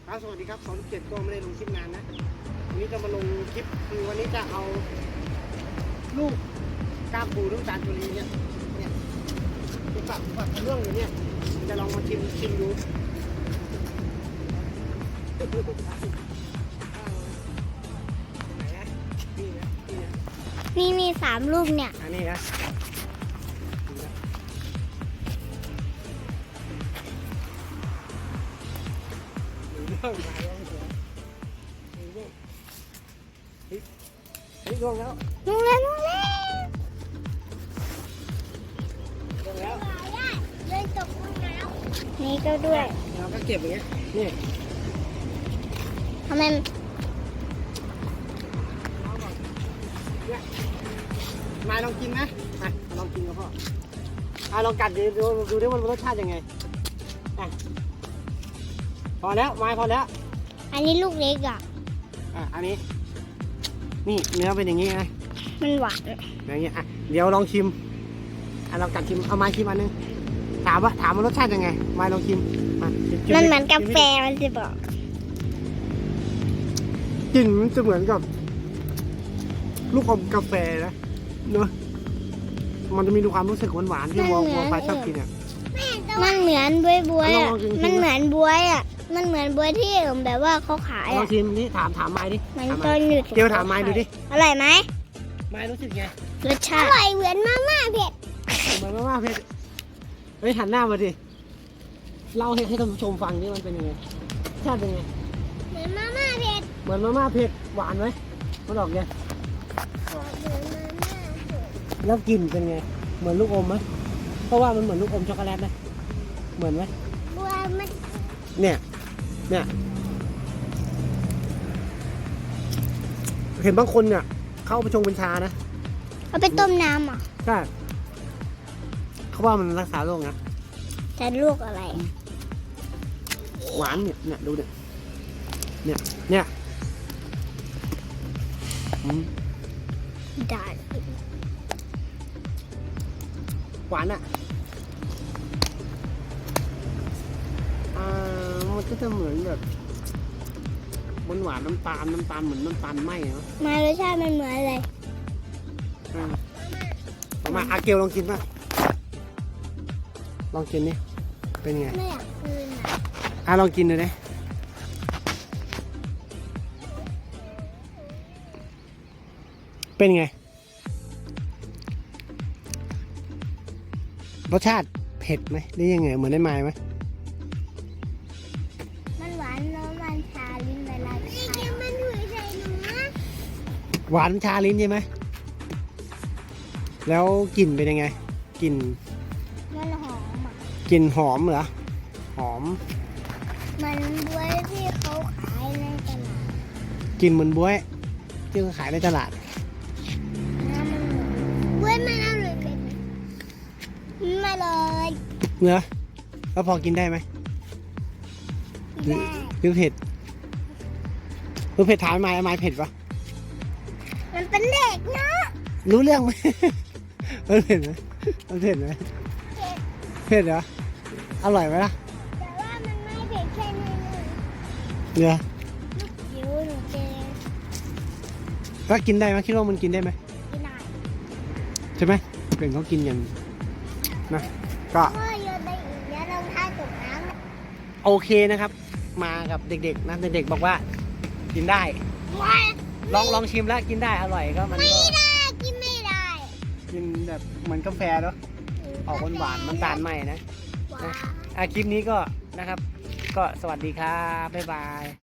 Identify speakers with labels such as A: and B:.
A: ครับสวัสดีครับ27ก็ไม่ได้ลงคลิปนานนะวันนี้จะมาลงคลิปคือวันนี้จะเอาลูกกล้ามปูน้ำตาลจุลีเนี่ยที่ฝักเรื่องอยู่เนี่ยจะลองมาชิมดูไหนนะนี่นะ
B: มี3 ลูกเนี่ย
A: อันนี้นะลงแล้ว
B: ลงแล้วเลยตกลงน้ำนี่ก็ด้วย
A: เราก็เก็บอย่างเงี้ยนี่
B: ทำไม
A: มาลองกินนะมาลองกินกับพ่อลองกัดดูดิมันรสชาติยังไงพอแล้วไม้พอแล้ว
B: อันนี้ลูกเล็ก
A: อันนี้นี่เนื้อเป็นอย่างนี้นะ
B: มันหวาน
A: อย่างเงี้ยเดี๋ยวลองชิมลองกัดชิมเอาไม้ชิมอันนึงถามว่ารสชาติยังไงไม้ลองชิม
B: มันเหมือนกาแฟมันจะบอก
A: กลิ่นมันจะเหมือนกับลูกอมกาแฟนะเนอะมันจะมีความรู้สึกหวานๆที่วัวควายชอบกิน
B: มันเหมือนบวยมันเหมือนบวยมันเหมือนบวยที่แบบว่าเขาขาย
A: ลองชิมนี่ถามไม้ดิ
B: มันต้นหยุด
A: เดี๋ยวถามไม้ดูดิ
B: อร่อยไหม
A: ไม้รู้สึกไง
B: รสชาติอร่อยเหมือนมาม่าเผ็ด
A: เหมือนมาม่าเผ็ดเฮ้ยหันหน้ามาดิเล่าให้ท่านผู้ชมฟังนี่มันเป็นยังไงชาติเป็นไง
B: เหมือนมาม่าเผ็ด
A: เหมือนมาม่าเผ็ดหวานไหมมันออกไงแล้วกลิ่นเป็นไงเหมือนลูกอมไหมเพราะว่ามันเหมือนลูกอมช็อกโกแลตนะเหมือนไหมเนี่ยเห็นบางคนเนี่ยเข้าไปชงเป็นชานะ
B: เอาไปต้มน้ำ
A: ใช่เขาว่ามันรักษาโรคนะ
B: แต่ลูกอะไร
A: หวานเนี่ยดูเนี่ย
B: ได้
A: หวานมันก็จะเหมือนแบบหวานน้ำตาลเหมือนน้ำตาลไหมเนาะ
B: มารสชาติมันเหมือนอะไร
A: มาอาเกลลองกินป่ะลองกินนี่เป็นไง
B: ไม่อยากกิน
A: ลองกินเลยเป็นไงรสชาติเผ็ดไหมหรือยังไงเหมือนได้ไม้ไหม
B: มันหวานแล้วมันชาลิ้นเวลามันหัวใจหนู
A: หวานชาลิ้นใช่ไหมแล้วกลิ่นเป็นยังไงกลิ่น
B: มันหอม
A: กลิ่นหอมเหรอหอม
B: มันบ๊วยที่เขาขายในตลาด
A: กลิ่นเหมือนบ๊วยที่เขาขายในตลาด
B: บ๊วยมันอร่อยเลยมาเลย
A: เนื้อแล้วพอกินได้ไหมหรือเผ็ดถามไม้เผ็ดปะ
B: มันเป็นเด็กเนาะ
A: รู้เรื่องไหมมันเผ็ดไหมเผ็ดเหรออร่อยไหมล่ะ
B: แต่ว่ามันไม่เผ็ดแค่นี้
A: เนื้อ
B: ลูกจิ๋วหนูเจ
A: ก็กินได้ไหมคิดว่ามันกินได้ไหม
B: กินได้
A: ใช่ไหมเป็นเขากินอย่างนะก็โอเคนะครับมากับเด็กๆนะเด็กๆบอกว่ากินได้ลองชิมแล้วกินได้อร่อยก็มันก็
B: กินไม่ได้
A: กินแบบเหมือนกาแฟเนาะออกหวานน้ำตาลใหม่นะคลิปนี้ก็นะครับก็สวัสดีครับบ๊ายบาย